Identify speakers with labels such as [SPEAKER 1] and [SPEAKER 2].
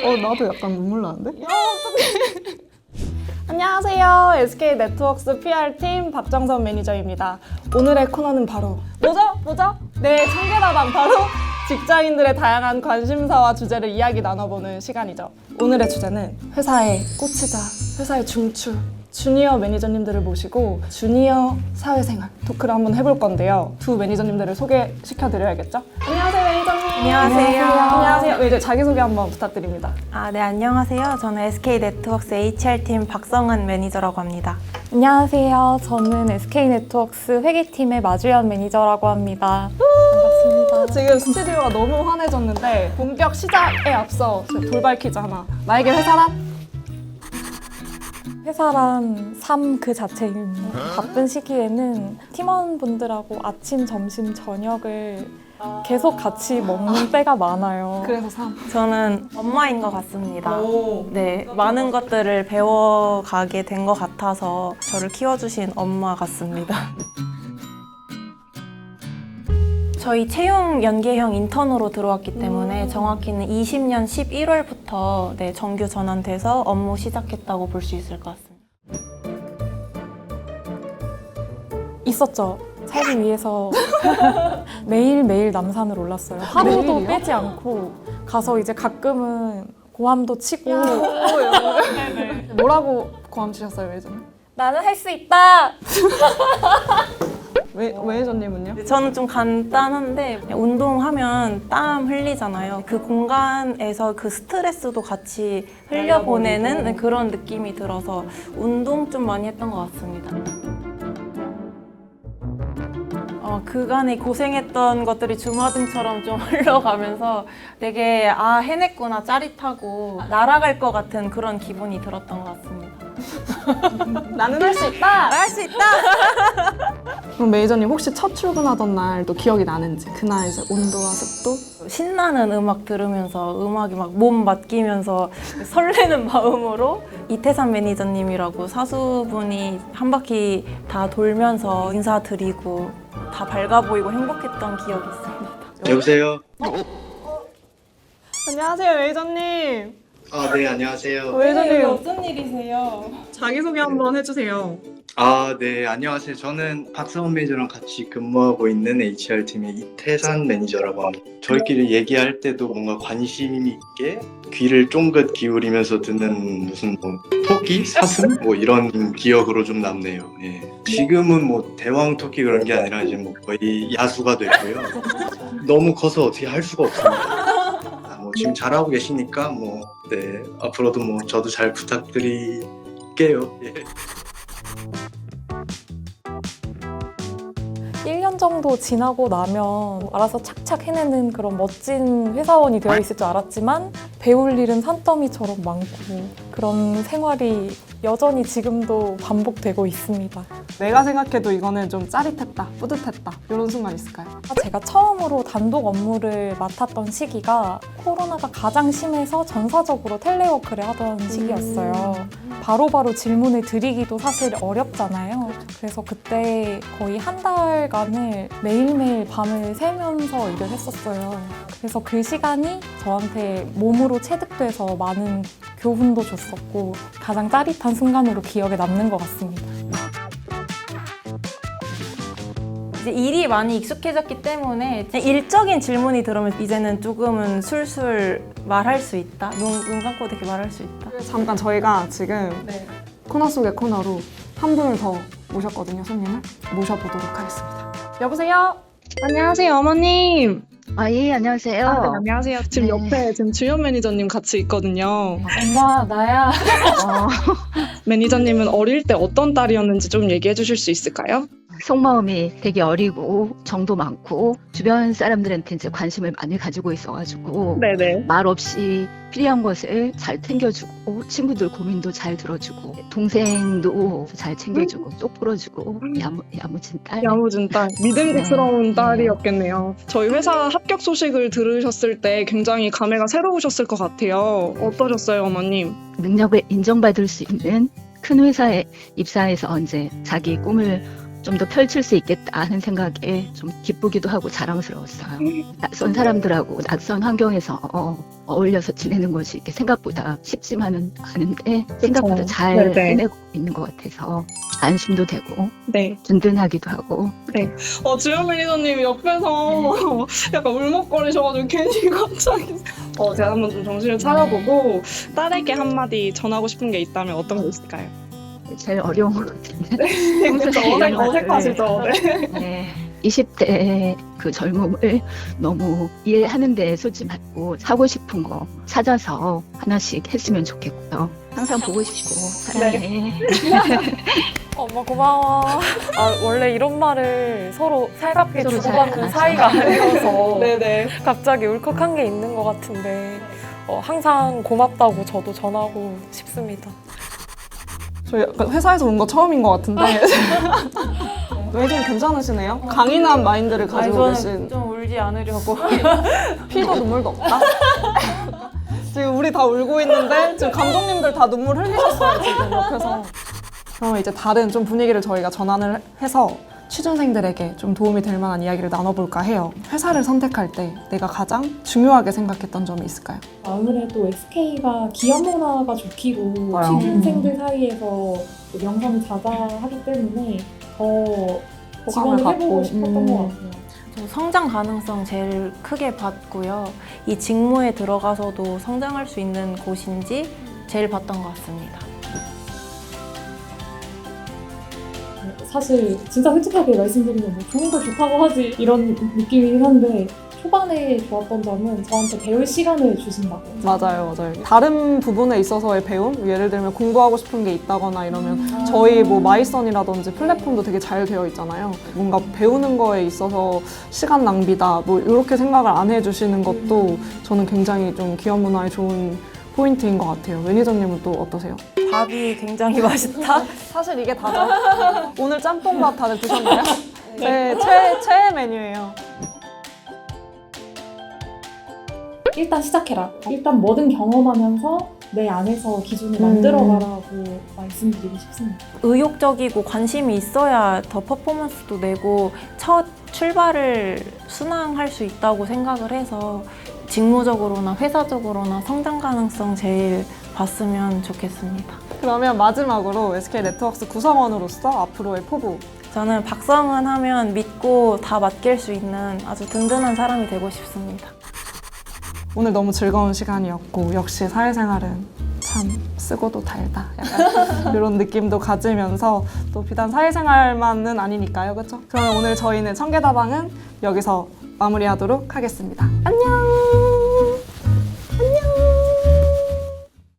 [SPEAKER 1] 나도 약간 눈물 나는데?
[SPEAKER 2] 안녕하세요. SK 네트워크스 PR팀 박정선 매니저입니다. 오늘의 코너는 바로 뭐죠? 네, 청계다방 바로 직장인들의 다양한 관심사와 주제를 이야기 나눠보는 시간이죠. 오늘의 주제는 회사의 꽃이자 회사의 중추 주니어 매니저님들을 모시고 주니어 사회생활 토크를 한번 해볼 건데요. 두 매니저님들을 소개시켜드려야겠죠? 안녕하세요, 매니저님. 안녕하세요. 네, 이제 자기소개 한번 부탁드립니다.
[SPEAKER 3] 네, 안녕하세요. 저는 SK 네트워크스 HR팀 박성은 매니저라고 합니다.
[SPEAKER 4] 안녕하세요. 저는 SK네트워크스 회계팀의 마주연 매니저라고 합니다. 반갑습니다.
[SPEAKER 2] 지금 스튜디오가 너무 환해졌는데 본격 시작에 앞서 돌발 퀴즈 하나. 나에게 회사란?
[SPEAKER 4] 회사란 삶 그 자체입니다. 바쁜 시기에는 팀원분들하고 아침, 점심, 저녁을 계속 같이 먹는 때가 많아요.
[SPEAKER 2] 그래서 삶.
[SPEAKER 3] 저는 엄마인 것 같습니다.
[SPEAKER 2] 오.
[SPEAKER 3] 네, 많은 것들을 배워가게 된 것 같아서 저를 키워주신 엄마 같습니다. 저희 채용 연계형 인턴으로 들어왔기 때문에 정확히는 20년 11월부터 정규 전환돼서 업무 시작했다고 볼 수 있을 것 같습니다.
[SPEAKER 4] 있었죠. 살기 위해서 매일매일 남산을 올랐어요. 하루도
[SPEAKER 2] 매일이요?
[SPEAKER 4] 빼지 않고 가서 이제 가끔은 고함도 치고
[SPEAKER 2] 뭐라고 고함 치셨어요, 매니저님?
[SPEAKER 4] 나는 할 수 있다!
[SPEAKER 2] 매니저님은요?
[SPEAKER 3] 저는 좀 간단한데 운동하면 땀 흘리잖아요. 그 공간에서 그 스트레스도 같이 흘려보내는 그런 느낌이 들어서 운동 좀 많이 했던 것 같습니다. 그간에 고생했던 것들이 주마등처럼 좀 흘러가면서 되게 해냈구나 짜릿하고 날아갈 것 같은 그런 기분이 들었던 것 같습니다.
[SPEAKER 2] 나는 할 수 있다!
[SPEAKER 3] 할 수 있다!
[SPEAKER 2] 그럼 매니저님 혹시 첫 출근하던 날도 기억이 나는지 그날 이제 온도와 습도?
[SPEAKER 3] 신나는 음악 들으면서 음악이 막 몸 맡기면서 설레는 마음으로 이태산 매니저님이라고 사수분이 한 바퀴 다 돌면서 인사드리고 다 밝아 보이고 행복했던 기억이 있습니다.
[SPEAKER 5] 여보세요?
[SPEAKER 2] 안녕하세요, 매니저님.
[SPEAKER 5] 네, 안녕하세요.
[SPEAKER 2] 매니저님
[SPEAKER 3] 무슨 일이세요?
[SPEAKER 2] 자기소개 한번 해주세요.
[SPEAKER 5] 네, 안녕하세요. 저는 박성훈 매니저랑 같이 근무하고 있는 HR팀의 이태산 매니저라고 합니다. 저희끼리 얘기할 때도 뭔가 관심 있게 귀를 쫑긋 기울이면서 듣는 무슨 토끼? 사슴? 이런 기억으로 좀 남네요. 예. 지금은 대왕 토끼 그런 게 아니라 이제 거의 야수가 됐고요. 너무 커서 어떻게 할 수가 없습니다. 지금 잘하고 계시니까 네, 앞으로도 저도 잘 부탁드릴게요. 예.
[SPEAKER 4] 1년 정도 지나고 나면 알아서 착착 해내는 그런 멋진 회사원이 되어 있을 줄 알았지만 배울 일은 산더미처럼 많고 그런 생활이 여전히 지금도 반복되고 있습니다.
[SPEAKER 2] 내가 생각해도 이거는 좀 짜릿했다, 뿌듯했다 이런 순간 있을까요?
[SPEAKER 4] 제가 처음으로 단독 업무를 맡았던 시기가 코로나가 가장 심해서 전사적으로 텔레워크를 하던 시기였어요. 바로바로 질문을 드리기도 사실 어렵잖아요. 그래서 그때 거의 한 달간을 매일매일 밤을 새면서 일을 했었어요. 그래서 그 시간이 저한테 몸으로 체득돼서 많은 교훈도 줬었고 가장 짜릿한 순간으로 기억에 남는 것 같습니다.
[SPEAKER 3] 이제 일이 많이 익숙해졌기 때문에 일적인 질문이 들어오면 이제는 조금은 술술 말할 수 있다. 눈 감고 되게 말할 수 있다.
[SPEAKER 2] 잠깐 저희가 지금 코너 속의 코너로 한 분을 더 모셨거든요, 손님을. 모셔보도록 하겠습니다. 여보세요?
[SPEAKER 6] 안녕하세요, 어머님.
[SPEAKER 7] 예, 안녕하세요.
[SPEAKER 6] 안녕하세요.
[SPEAKER 2] 지금
[SPEAKER 7] 네.
[SPEAKER 2] 옆에 지금 주연 매니저님 같이 있거든요.
[SPEAKER 4] 엄마, 나야.
[SPEAKER 2] 매니저님은 어릴 때 어떤 딸이었는지 좀 얘기해 주실 수 있을까요?
[SPEAKER 7] 속마음이 되게 어리고 정도 많고 주변 사람들한테 이제 관심을 많이 가지고 있어가지고
[SPEAKER 2] 네네.
[SPEAKER 7] 말 없이 필요한 것을 잘 챙겨주고 친구들 고민도 잘 들어주고 동생도 잘 챙겨주고 똑 풀어주고 야무진 딸.
[SPEAKER 2] 야무진 딸. 믿음직스러운
[SPEAKER 7] 네.
[SPEAKER 2] 딸이었겠네요. 저희 회사 합격 소식을 들으셨을 때 굉장히 감회가 새로우셨을 것 같아요. 어떠셨어요, 어머님?
[SPEAKER 7] 능력을 인정받을 수 있는 큰 회사에 입사해서 이제 자기 꿈을 좀 더 펼칠 수 있겠다 하는 생각에 좀 기쁘기도 하고 자랑스러웠어요. 낯선 사람들하고 낯선 환경에서 어울려서 지내는 것이 이렇게 생각보다 쉽지만은 않은데 생각보다 잘
[SPEAKER 6] 네네.
[SPEAKER 7] 해내고 있는 것 같아서 안심도 되고
[SPEAKER 6] 네.
[SPEAKER 7] 든든하기도 하고
[SPEAKER 2] 주연 매니저님이 옆에서 약간 울먹거리셔가지고 괜히 갑자기 제가 한번 좀 정신을 차려보고 딸에게 한마디 전하고 싶은 게 있다면 어떤 게 있을까요?
[SPEAKER 7] 제일 어려운 것 같은데
[SPEAKER 2] 그쵸, 어색하시죠? 네.
[SPEAKER 7] 네. 20대 그 젊음을 너무 이해하는 데 쏟지 말고 사고 싶은 거 찾아서 하나씩 했으면 좋겠고요. 항상 보고 싶고 사랑해.
[SPEAKER 3] 엄마 고마워. 원래 이런 말을 서로 살갑게
[SPEAKER 7] 서로
[SPEAKER 3] 주고받는
[SPEAKER 7] 잘
[SPEAKER 3] 사이가
[SPEAKER 7] 알아서.
[SPEAKER 3] 아니어서
[SPEAKER 2] 네네.
[SPEAKER 3] 갑자기 울컥한 게 있는 것 같은데 항상 고맙다고 저도 전하고 싶습니다.
[SPEAKER 2] 저희 약간 회사에서 온 거 처음인 것 같은데 매니저님 괜찮으시네요? 강인한 마인드를 가지고 계신
[SPEAKER 3] 저는 좀 울지 않으려고.
[SPEAKER 2] 피도 눈물도 없다? 지금 우리 다 울고 있는데 지금 감독님들 다 눈물 흘리셨어요 지금 옆에서. 그러면 이제 다른 좀 분위기를 저희가 전환을 해서 취준생들에게 좀 도움이 될 만한 이야기를 나눠볼까 해요. 회사를 선택할 때 내가 가장 중요하게 생각했던 점이 있을까요?
[SPEAKER 1] 아무래도 SK가 기업 문화가 좋기로
[SPEAKER 2] 맞아요.
[SPEAKER 1] 취준생들 사이에서 명성이 자자하기 때문에 더
[SPEAKER 2] 호감을
[SPEAKER 1] 지원을
[SPEAKER 2] 받고.
[SPEAKER 1] 해보고 싶었던 것 같아요.
[SPEAKER 3] 저 성장 가능성 제일 크게 봤고요. 이 직무에 들어가서도 성장할 수 있는 곳인지 제일 봤던 것 같습니다.
[SPEAKER 1] 사실 진짜 솔직하게 말씀드리면 뭐 좋은 걸 좋다고 하지 이런 느낌이긴 한데 초반에 좋았던 점은 저한테 배울 시간을 주신다고.
[SPEAKER 2] 맞아요. 다른 부분에 있어서의 배움? 예를 들면 공부하고 싶은 게 있다거나 이러면 저희 뭐 마이썬이라든지 플랫폼도 되게 잘 되어 있잖아요. 뭔가 배우는 거에 있어서 시간 낭비다 뭐 이렇게 생각을 안 해주시는 것도 저는 굉장히 좀 기업 문화에 좋은 포인트인 것 같아요. 매니저님은 또 어떠세요?
[SPEAKER 3] 밥이 굉장히 맛있다.
[SPEAKER 2] 사실 이게 다죠. 오늘 짬뽕밥 다들 드셨나요? 네, 최애 메뉴예요.
[SPEAKER 1] 일단 시작해라. 일단 뭐든 경험하면서 내 안에서 기준을 만들어가라고 말씀드리고 싶습니다.
[SPEAKER 3] 의욕적이고 관심이 있어야 더 퍼포먼스도 내고 첫 출발을 순항할 수 있다고 생각을 해서 직무적으로나 회사적으로나 성장 가능성 제일 봤으면 좋겠습니다.
[SPEAKER 2] 그러면 마지막으로 SK네트워크스 구성원으로서 앞으로의 포부.
[SPEAKER 3] 저는 박성은 하면 믿고 다 맡길 수 있는 아주 든든한 사람이 되고 싶습니다.
[SPEAKER 2] 오늘 너무 즐거운 시간이었고 역시 사회생활은 참 쓰고도 달다 약간 이런 느낌도 가지면서 또 비단 사회생활만은 아니니까요, 그렇죠? 그러면 오늘 저희는 청계다방은 여기서 마무리하도록 하겠습니다. 안녕.